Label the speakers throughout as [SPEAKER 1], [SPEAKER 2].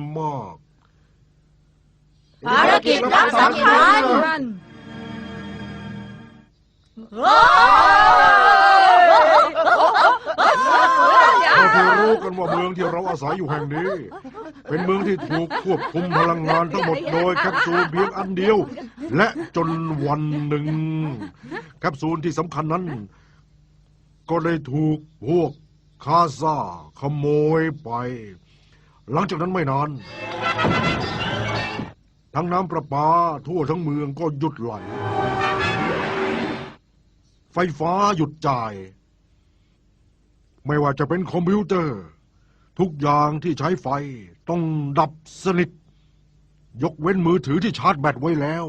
[SPEAKER 1] มาก
[SPEAKER 2] ภารกิจลับสำคัญ
[SPEAKER 1] เราที่รู้กันว่าเมืองที่เราอาศัยอยู่แห่งนี้เป็นเมืองที่ถูกควบคุมพลังงานทั้งหมดโดยแคปซูลเพียงอันเดียวและจนวันหนึ่งแคปซูลที่สำคัญนั้นก็ได้ถูกพวกคาซาขโมยไปหลังจากนั้นไม่นานทั้งน้ำประปาทั่วทั้งเมืองก็หยุดไหลไฟฟ้าหยุดจ่ายไม่ว่าจะเป็นคอมพิวเตอร์ทุกอย่างที่ใช้ไฟต้องดับสนิทยกเว้นมือถือที่ชาร์จแบตไว้แล้ว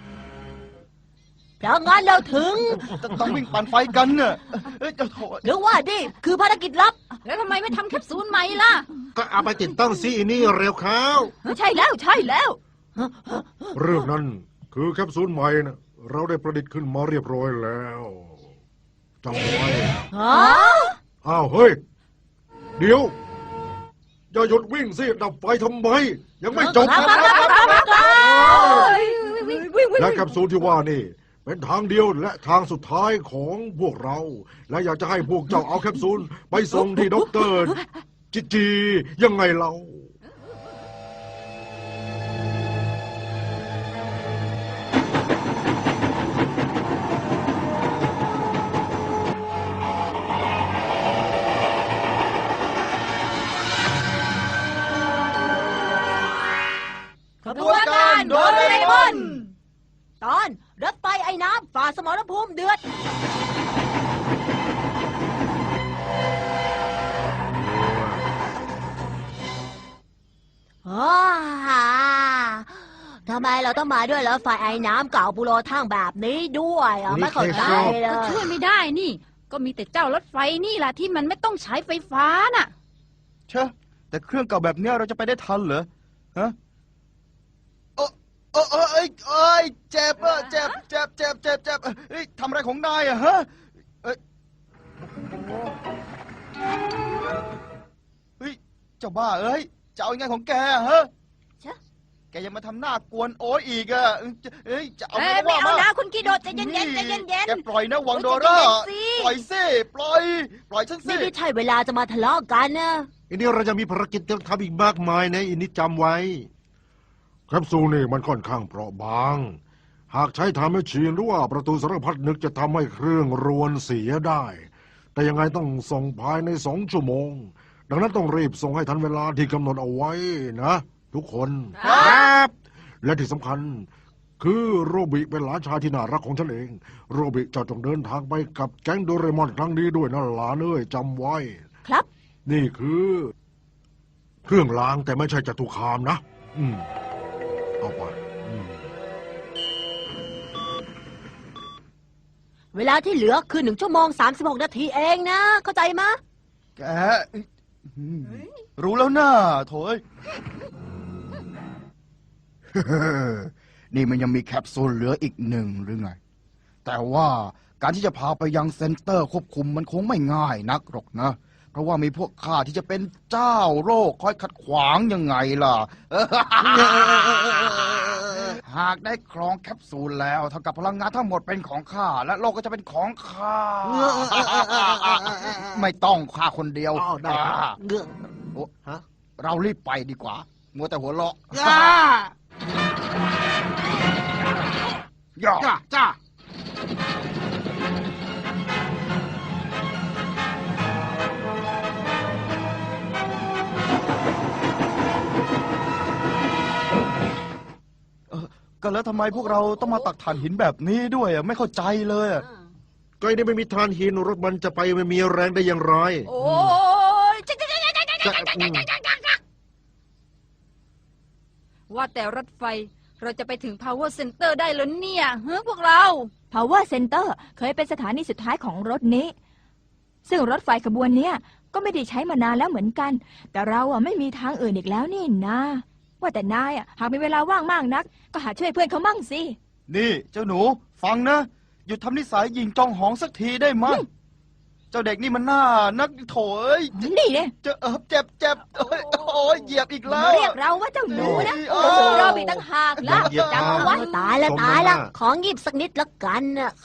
[SPEAKER 2] เพราะงั้นเราถึง
[SPEAKER 3] ต้องวิ่งปั่นไฟกันเนอะ
[SPEAKER 2] หรือว่านี่คือภารกิจลับแล้วทำไมไม่ทำแคปซูลใหม่ล่ะ
[SPEAKER 4] ก็เอาไปติดตั้งซีนี่เร็วเข้า
[SPEAKER 2] ใช่แล้ว
[SPEAKER 1] เรื่องนั้นคือแคปซูลใหม่นะเราได้ประดิษฐ์ขึ้นมาเรียบร้อยแล้วจำไว้อ้าวเฮ้ยเดี๋ยวอย่าหยุดวิ่งสิดับไฟทำไมยังไม่จบและแคปซูลที่ว่านี่เป็นทางเดียวและทางสุดท้ายของพวกเราและอยากจะให้พวกเจ้าเอาแคปซูลไปส่งที่ด็อกเตอร์จียังไงเรา
[SPEAKER 2] ขบวนการโดเรมอนตอนรถไฟไอ้น้ำฝ่าสมรภูมิเดือดทำไมเราต้องมาด้วยรถไฟไอ้น้ำเก่าปุโรทั่งแบบนี้ด้วยไม่เข้าใจเลย
[SPEAKER 5] ช่วยไม่ได้นี่ก็มีแต่เจ้ารถไฟนี่แหละที่มันไม่ต้องใช้ไฟฟ้าน่ะ
[SPEAKER 3] เชอะแต่เครื่องเก่าแบบนี้เราจะไปได้ทันเหรอฮะเจ็บทำอะไรของนายอะฮะเฮ้ยเจ้าบ้าจะเอายังไงของแกฮะแกยังมาทำหน้ากวนโอ๊ยอีกอะจะเอาไม่
[SPEAKER 2] เอานะคุณกิโดใจเย็น
[SPEAKER 3] แกปล่อยนะวังโดราปล่อยสิปล่อยฉันสิ
[SPEAKER 2] ไม่ใช่เวลาจะมาทะเลาะกันนะ
[SPEAKER 4] อันนี้เราจะมีภารกิจต้องทำอีกมากมายนะอินนี้จำไว้
[SPEAKER 1] แคปซูลนี่มันค่อนข้างเปราะบางหากใช้ทำให้ชีนหรือว่าประตูสารพัดนึกจะทำให้เครื่องรวนเสียได้แต่ยังไงต้องส่งภายใน2 ชั่วโมงดังนั้นต้องรีบส่งให้ทันเวลาที่กำหนดเอาไว้นะทุกคน
[SPEAKER 4] ครับ
[SPEAKER 1] และที่สำคัญคือโรบิเป็นหลานชายที่น่ารักของฉันเองโรบิจะต้องเดินทางไปกับแก๊งโดเรมอนครั้งนี้ด้วยนะหลานเอ้ยจำไว้
[SPEAKER 2] ครับ
[SPEAKER 1] นี่คือเครื่องล้างแต่ไม่ใช่จตุคามนะเอาไป
[SPEAKER 2] เวลาที่เหลือคือ1 ชั่วโมง 36 นาทีเองนะเข้าใจมะ
[SPEAKER 3] แกรู้แล้วนะโถยนี่มันยังมีแคปซูลเหลืออีก1หรือไงแต่ว่าการที่จะพาไปยังเซ็นเตอร์ควบคุมมันคงไม่ง่ายนักหรอกนะเพราะว่ามีพวกข้าที่จะเป็นเจ้าโรคคอยขัดขวางยังไงล่ะหากได้ครองแคปซูลแล้วเท่ากับพลังงานทั้งหมดเป็นของข้าและโลกก็จะเป็นของข้าไม่ต้องข้าคนเดียวเรารีบไปดีกว่ามัวแต่หัวเราะจ้าก็แล้วทำไมพวกเราต้องมาตักถ่านหินแบบนี้ด้วยไม่เข้าใจเลย
[SPEAKER 4] ก็นี่ไม่มีถ่านหินรถมันจะไปไม่มีแรงได้อย่างไร
[SPEAKER 2] โอ้ย
[SPEAKER 5] ว่าแต่รถไฟเราจะไปถึง Power Center ได้หรือเนี่ยพวกเรา
[SPEAKER 6] Power Center เคยเป็นสถานีสุดท้ายของรถนี้ซึ่งรถไฟขบวนนี้ก็ไม่ได้ใช้มานานแล้วเหมือนกันแต่เราไม่มีทางอื่นอีกแล้วนี่นะว่าแต่นายหากมีเวลาว่างมากนักก็หาช่วยเพื่อนเขามั่งสิ
[SPEAKER 3] นี่เจ้าหนูฟังนะหยุดทำนิสัยหญิงจองหองสักทีได้มั้ยเจ้าเด็กนี่มันน่านักโถย
[SPEAKER 6] นี่เนี่ย
[SPEAKER 3] เจ็บโอ้ยเหยียบอีกแล้ว
[SPEAKER 6] เรียกเราว่าเจ้าหนูนะ
[SPEAKER 3] โอ้
[SPEAKER 6] โอ้
[SPEAKER 3] ย
[SPEAKER 6] โหเราอีกต่างหากล่ะ
[SPEAKER 4] เหยียบ
[SPEAKER 6] จำเอาไว้
[SPEAKER 2] ตายละตายละของหยิบสักนิดละกันน่ะ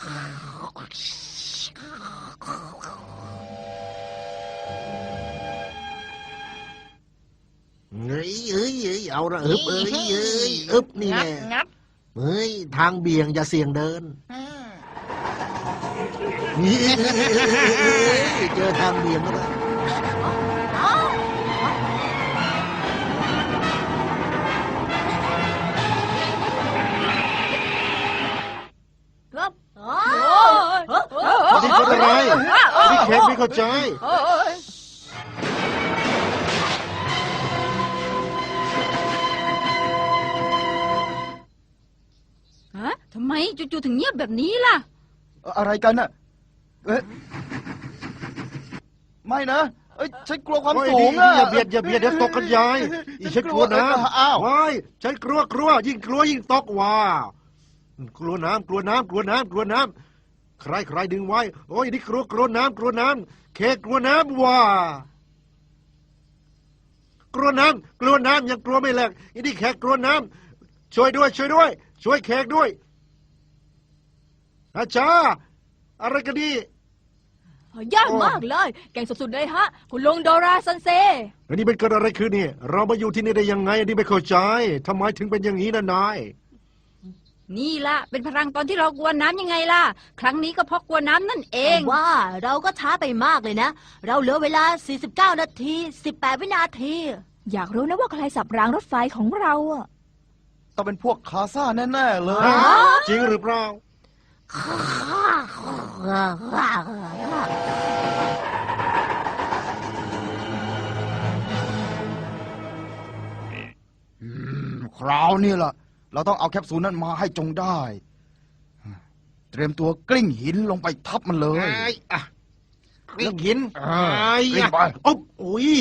[SPEAKER 4] เฮ้ยเอาละอึบอึบนี่แน่เฮ้ยทางเบี่ยงอย่าเสี่ยงเดินเจอทางเบี่ยงแล้วนะ
[SPEAKER 2] ครับอ๋อ
[SPEAKER 4] นี่เป็นอะไรนี่แขกไม่เข้าใจ
[SPEAKER 5] ฮะทำไมจู่ๆถึงเงียบแบบนี้ล่ะ
[SPEAKER 3] อะไรกันน่ะเอ๊ะไม่นะเอ้ยฉันกลัวความ
[SPEAKER 4] โอ้ย
[SPEAKER 3] สูง
[SPEAKER 4] นี่
[SPEAKER 3] อะ
[SPEAKER 4] อย่าเบียดเดี๋ยวตกกันยายอีฉันกลัวน้
[SPEAKER 3] อ้าว
[SPEAKER 4] ำว้ายฉันกลัวยิ่งกลัวยิ่งตกว้ากลัวน้ำใครดึงไว้โอ้ยนี่กลัวน้ำแขกกลัวน้ำว้ากลัวน้ำยังกลัวไม่เลิกอีนี่แขกกลัวน้ำช่วยด้วยช่วยแขกด้วยอาจารย์อะไรกันนี่
[SPEAKER 6] ยากมากเลย เก่งสุดๆเลยฮะ คุณลุงโดราซันเซ
[SPEAKER 4] อันนี้เป็นเกิดอะไรขึ้นเนี่ยเรามาอยู่ที่นี่ได้ยังไงอันนี้ไม่เข้าใจทำไมถึงเป็นอย่างนี้นะนาย
[SPEAKER 5] นี่ล่ะ เป็นพลังตอนที่เรากลัวน้ำยังไงล่ะ ครั้งนี้ก็เพราะกลัวน้ำนั่นเอง
[SPEAKER 2] ว่าเราก็ช้าไปมากเลยนะ เราเหลือเวลา 49 นาที 18 วินาที
[SPEAKER 6] อยากรู้นะว่าใครสับรางรถไฟของเราอะ
[SPEAKER 3] ต้องเป็นพวกคาซ่าแน่ๆเลย
[SPEAKER 4] ฮะจริงหรือเปล่า
[SPEAKER 3] คราวนี้ล่ะ เราต้องเอาแคปซูลนั้นมาให้จงได้ เตรียมตัวกลิ้งหินลงไปทับมันเลย
[SPEAKER 4] ไอ้อะกลิ้งหิน
[SPEAKER 3] เอ
[SPEAKER 4] ไอ้
[SPEAKER 3] อกลิ้งไป
[SPEAKER 4] อ๊บอุ้ย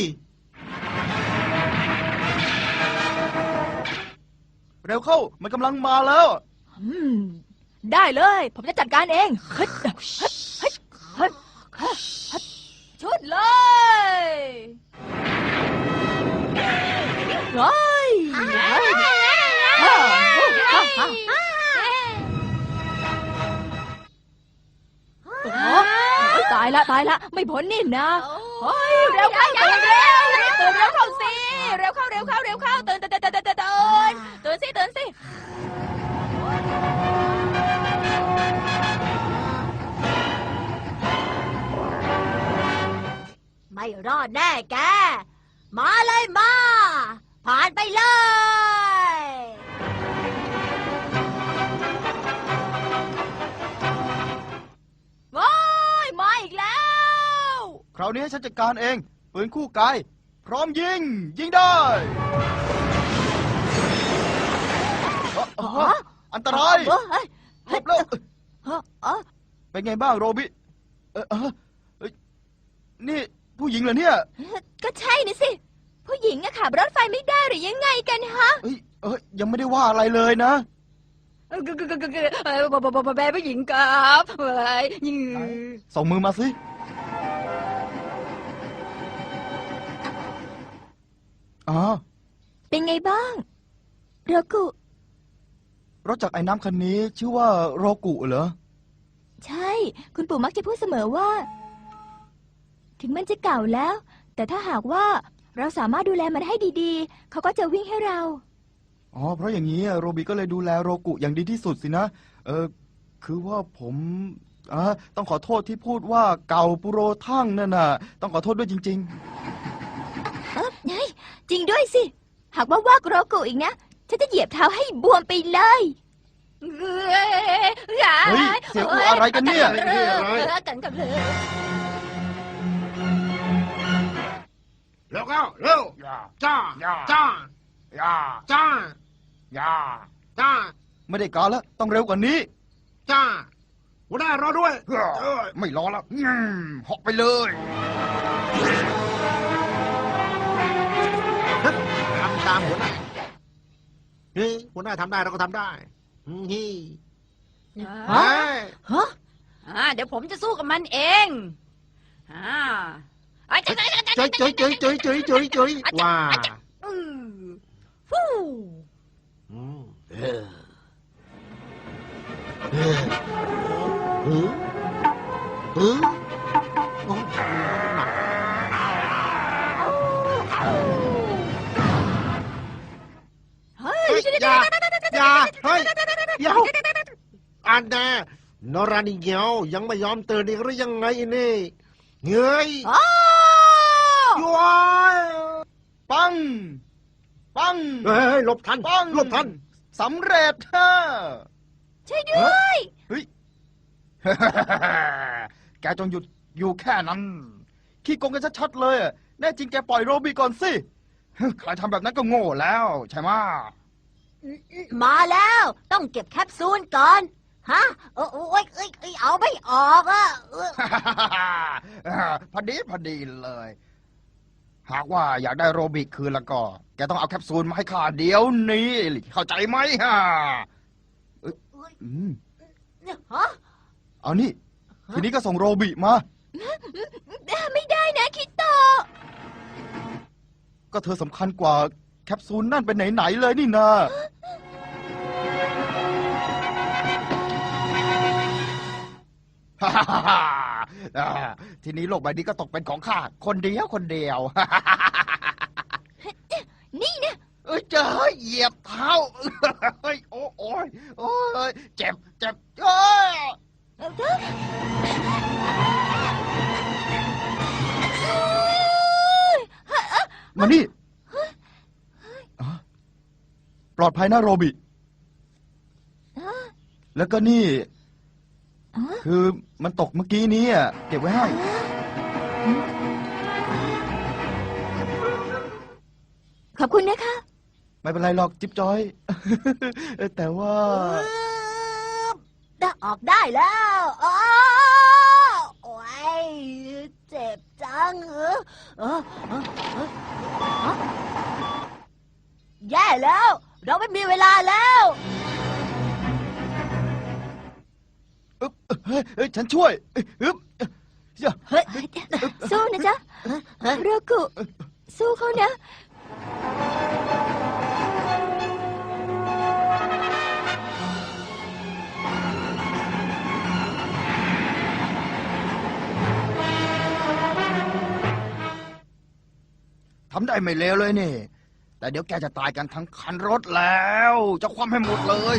[SPEAKER 3] เร็วเข้า มันกำลังมาแล้ว
[SPEAKER 6] อืมได้เลย ผมจะจัดการเองเฮ้ยเฮ้ยเฮ้ยเฮ้ยเฮ้ยชุดเลยเฮ้ยตายละไม่พ้นนี่นะเฮ้ยเร็วเข้าตื่นเร็วเข้าสิเร็วเข้าตื่นสิ
[SPEAKER 2] ไม่รอดแน่แก มาเลยมา ผ่านไปเลย
[SPEAKER 6] ว้ายมาอีกแล้ว
[SPEAKER 3] คราวนี้ฉันจัดการเอง ปืนคู่กาย พร้อมยิงได้อันตรายหลบแล้วเป็นไงบ้างโรบินี่ผู้หญิงเหรอเนี่ย
[SPEAKER 6] ก็ใช่นี่สิ ผู้หญิงอะขับรถไฟไม่ได้หรือยังไงกันฮะ
[SPEAKER 3] ยังไม่ได้ว่าอะไรเลยนะ
[SPEAKER 5] แม่ผู้หญิงกับยิง
[SPEAKER 3] ส่งมือมาสิ
[SPEAKER 6] เป็นไงบ้างโรกุ
[SPEAKER 3] รถจักรไอ้น้ำคันนี้ชื่อว่าโรกุเหรอ
[SPEAKER 6] ใช่ คุณปู่มักจะพูดเสมอว่า ถึงมันจะเก่าแล้ว แต่ถ้าหากว่าเราสามารถดูแลมันให้ดีๆ เขาก็จะวิ่งให้เรา
[SPEAKER 3] เพราะอย่างนี้โรบิก็เลยดูแลโรกุอย่างดีที่สุดสินะ คือว่าผมต้องขอโทษที่พูดว่าเก่าปุโรทั่งนั่นน่ะ ต้องขอโทษด้วยจริง
[SPEAKER 6] ไงจริงด้วยสิ หากว่าโรกุอีกนะ ฉันจะเหยียบเท้าให้บวมไปเลย
[SPEAKER 3] ๆ เฮ้ย เสียงอู้อะไรกันเนี่ย
[SPEAKER 5] กันกับเลย
[SPEAKER 4] เร็วเข้าเร็วจ้า
[SPEAKER 3] ไม่ได้การแล้ว ต้องเร็วกว่านี้
[SPEAKER 4] จ้าหัวหน้ารอด้วย
[SPEAKER 3] ไม่รอแล้วเหาะไปเลย
[SPEAKER 4] ทำตามหัวหน้าเฮ้ยหัวหน้าทำได้เราก็ทำได้เฮ้ย
[SPEAKER 2] ฮะ
[SPEAKER 5] เดี๋ยวผมจะสู้กับมันเองอ่าไอ้จะ
[SPEAKER 4] เจยเจยเจยเจยเจยเจยเจยว่า
[SPEAKER 2] ฟู่
[SPEAKER 4] อืมเออเออเออเออโอ้หนัก
[SPEAKER 2] เฮ้ย
[SPEAKER 4] เฮ้ยอย่าเฮ้ยเดี๋ยวอันแน่นรานิเหียวยังไม่ยอมตื่นอีกหรือยังไงนี่เงย
[SPEAKER 2] อ้าว
[SPEAKER 4] ย้อย
[SPEAKER 3] ปัง ปัง
[SPEAKER 4] เฮ้ยหลบทัน
[SPEAKER 3] ปัง
[SPEAKER 4] หลบทัน
[SPEAKER 3] สำเร็จฮะ
[SPEAKER 2] ช่วยด้วย
[SPEAKER 3] แกจงหยุดอยู่แค่นั้น ขี้โกงกันชัดๆเลยอะแน่จริงแกปล่อยโรบีก่อนสิ ใครทำแบบนั้นก็โง่แล้วใช่ไหมะ
[SPEAKER 2] มาแล้วต้องเก็บแคปซูลก่อนฮะโอ้ยเอาไม่ออกอ่ะ
[SPEAKER 3] พอดีเลย หากว่าอยากได้โรบิคืนแล้วก็ แกต้องเอาแคปซูลมาให้ข้าเดี๋ยวนี้ เข้าใจไหมฮะอืม
[SPEAKER 2] ฮะ
[SPEAKER 3] เอานี่ ทีนี้ก็ส่งโรบิมา
[SPEAKER 6] ไม่ได้นะคิโตะ
[SPEAKER 3] ก็เธอสำคัญกว่าแคปซูลนั่นเป็นไหนๆเลยนี่นา ทีนี้โลกใบนี้ก็ตกเป็นของข้าคนเดียวคนเดียว
[SPEAKER 6] นี่นะ
[SPEAKER 3] เอ้ยเจอเหยียบเท้า เฮ้ยโอ้ยเจ็บเอ้ยมานี่อ่ะปลอดภัยนะโรบิ แล้วก็นี่ คือมันตกเมื่อกี้นี้อ่ะเก็บไว้ให้
[SPEAKER 6] ขอบคุณนะคะ
[SPEAKER 3] ไม่เป็นไรหรอกจิ๊บจอย แต่ว่า
[SPEAKER 2] ได้ออกได้แล้วอ้าโอ้ยเจ็บจังแย่แล้ว เราไม่มีเวลาแล้ว
[SPEAKER 3] เฮ้ยฉันช่วยอึ๊บ
[SPEAKER 2] เฮ้ย
[SPEAKER 6] สู้นะจ๊ะโรกุสู้เขานะ
[SPEAKER 3] ทำได้ไม่เลวเลยนี่ แต่เดี๋ยวแกจะตายกันทั้งคันรถแล้ว จะคว่ำให้หมดเลย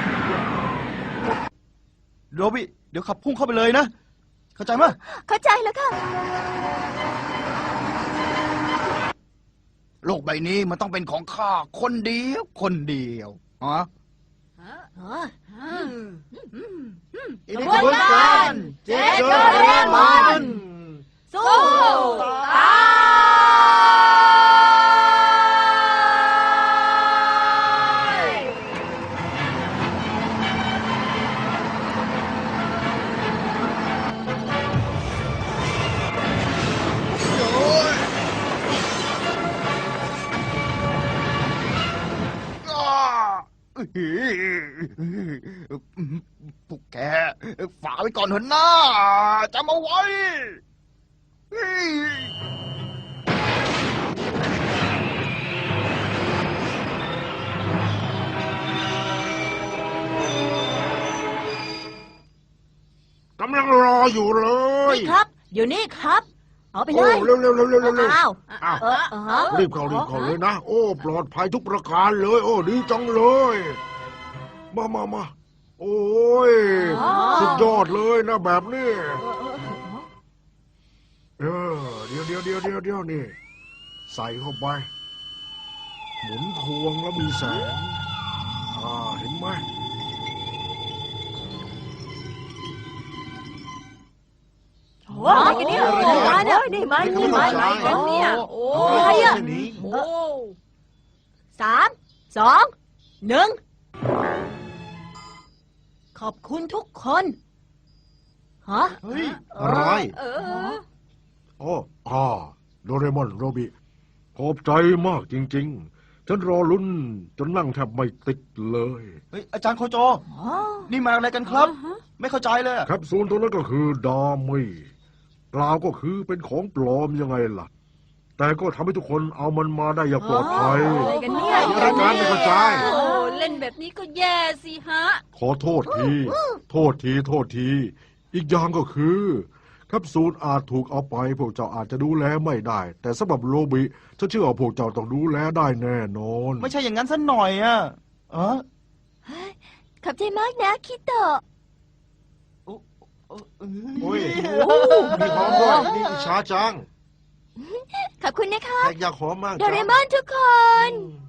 [SPEAKER 3] โรบิเดี๋ยวขับพุ่งเข้าไปเลยนะ เข้าใจไหมย
[SPEAKER 6] เข้าใจแล้วค่ะ
[SPEAKER 3] โลกใบนี้มันต้องเป็นของข้าคนเดียวฮะ
[SPEAKER 4] อินิคุกันเจโดเรมอน
[SPEAKER 2] สู้ตาย
[SPEAKER 3] พวกแกฝากไว้ก่อนเถอะนะจำเอาไว้
[SPEAKER 1] กำลังรออยู่เลย
[SPEAKER 2] นี่ครับ เดี๋ยวนี้ครับ เอาไปเล
[SPEAKER 1] โอ้
[SPEAKER 2] ย
[SPEAKER 1] เร็ว
[SPEAKER 2] อ้าว
[SPEAKER 1] อ้าว
[SPEAKER 2] ฮะ
[SPEAKER 1] รีบเข้าเลยนะ โอ้ปลอดภัยทุกประการเลย โอ้ดีจังเลย มาโอ้ยสุดยอดเลยนะแบบนี้เดี๋ยวนี่ใส่เข้าไปหมุนพวงแล้วมีแสงเห็นไหม
[SPEAKER 2] ว้าวกันนี่มาเนี่ยนี่มานี่มา
[SPEAKER 5] อะไรกันเนี่ยโอ้
[SPEAKER 2] อะไรอ่ะ
[SPEAKER 5] โอ้
[SPEAKER 2] 3 2 1ขอบคุณทุกคนฮะ
[SPEAKER 3] เฮ้ย
[SPEAKER 1] อะไร
[SPEAKER 5] เออ
[SPEAKER 1] โอ้โดเรมอนโรบิขอบใจมากจริงๆ ฉันรอลุ้นจนนั่งแทบไม่ติดเลย
[SPEAKER 3] เฮ้ยอาจารย์โคโจ นี่มาอะไรกันครับ ไม่เข้าใจเลย
[SPEAKER 1] แคปซูลตัวนั้นก็คือดามี่กล่าวก็คือเป็นของปลอมยังไงล่ะ แต่ก็ทำให้ทุกคนเอามันมาได้อย่างปลอดภัย
[SPEAKER 6] อะไรกันเนี่ย
[SPEAKER 1] รายการไม่เข้าใจ
[SPEAKER 5] โอ้เล่นแบบนี้ก็แย่สิฮะ
[SPEAKER 1] ขอโทษที โทษที โทษที อีกอย่างก็คือแคปซูลอาจถูกเอาไปพวกเจ้าอาจจะดูแลไม่ได้ แต่สำหรับโรบิฉันเชื่อว่าพวกเจ้าต้องดูแลได้แน่นอน
[SPEAKER 3] ไม่ใช่อย่างนั้นซะหน่อยอะเออ
[SPEAKER 6] ขอบใจมากนะคิโตะ
[SPEAKER 4] โอ้ยมีหอมด้วยนี่อิจฉาจัง
[SPEAKER 6] ขอบคุณนะคะ
[SPEAKER 4] แขกอยากหอมมาก
[SPEAKER 6] โดเรมอนทุกคน
[SPEAKER 4] อืม